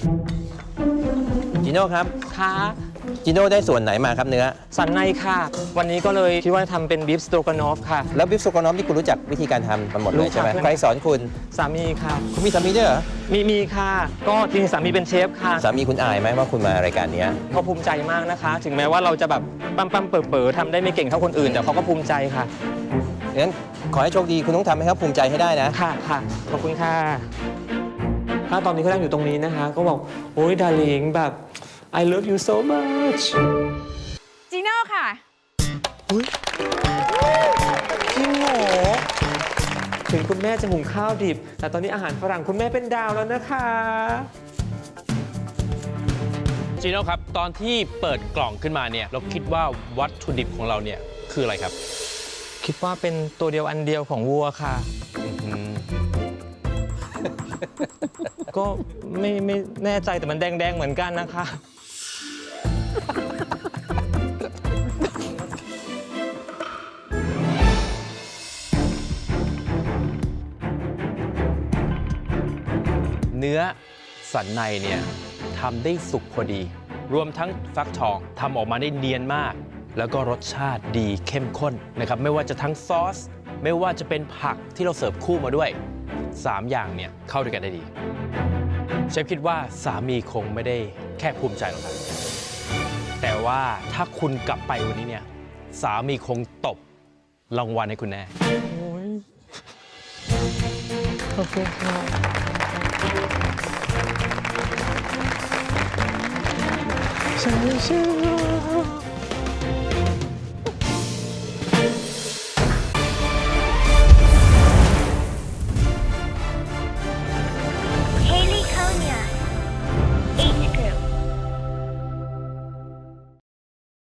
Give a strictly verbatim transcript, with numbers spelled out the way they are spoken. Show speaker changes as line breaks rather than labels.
จิโน่ครับ
ค่ะ
จิโน่ได้ส่วนไหนมาครับเนื้อ
สันในค่ะ วันนี้ก็เลยคิดว่าทำเป็นบีฟสโตกานอฟค่ะ
แล้วบิฟโซกานอฟที่คุณรู้จักวิธีการทำมันหมดเลยใช่ไหม
รู้ค่ะ
ใครสอนคุณ
สามีค่ะ
คุณมีสามีด้วยเหรอ
มีมีค่ะ ก็จริงๆสามีเป็นเชฟค่ะ
สามีคุณอายไหมว่าคุณมารายการนี้
เขาภูมิใจมากนะคะ ถึงแม้ว่าเราจะแบบปั๊มปั๊มเป๋อเป๋อทำได้ไม่เก่งเท่าคนอื่นแต่เขาก็ภูมิใจค่ะ
งั้นขอให้โชคดีคุณต้องทำให้เขาภูมิใจให้ได้นะ
ค่ะค่ะขอบคุณค่ะถ้าตอนนี้เขานั่งอยู่ตรงนี้นะคะ ก็บอกโอ้ยดาริงแบบ I love you so much
จีโน่ค่ะ
อุ๊ยจริงเหรอถึงคุณแม่จะหุงข้าวดิบ แต่ตอนนี้อาหารฝรั่งคุณแม่เป็นดาวแล้วนะคะ
จีโน่ครับ ตอนที่เปิดกล่องขึ้นมาเนี่ยเราคิดว่าวัตถุดิบของเราเนี่ยคืออะไรครับ
คิดว่าเป็นตัวเดียวอันเดียวของวัวค่ะ
อืม
ก็ไม่ไม่แน่ใจแต่มันแดง ๆ เหมือนกันนะคะ
เนื้อสันในเนี่ยทำได้สุกพอดี รวมทั้งฟักทองทำออกมาได้เนียนมาก แล้วก็รสชาติดีเข้มข้นนะครับไม่ว่าจะทั้งซอส ไม่ว่าจะเป็นผักที่เราเสิร์ฟคู่มาด้วยสามอย่างเนี่ยเข้าด้วยกันได้ดีเชฟคิดว่าสามีคงไม่ได้แค่ภูมิใจหรอกครับแต่ว่าถ้าคุณกลับไปวันนี้เนี่ยสามีคงตบรางวัลให้คุณแน่
โอ้ยขอบคุณค่ะใช่ใช่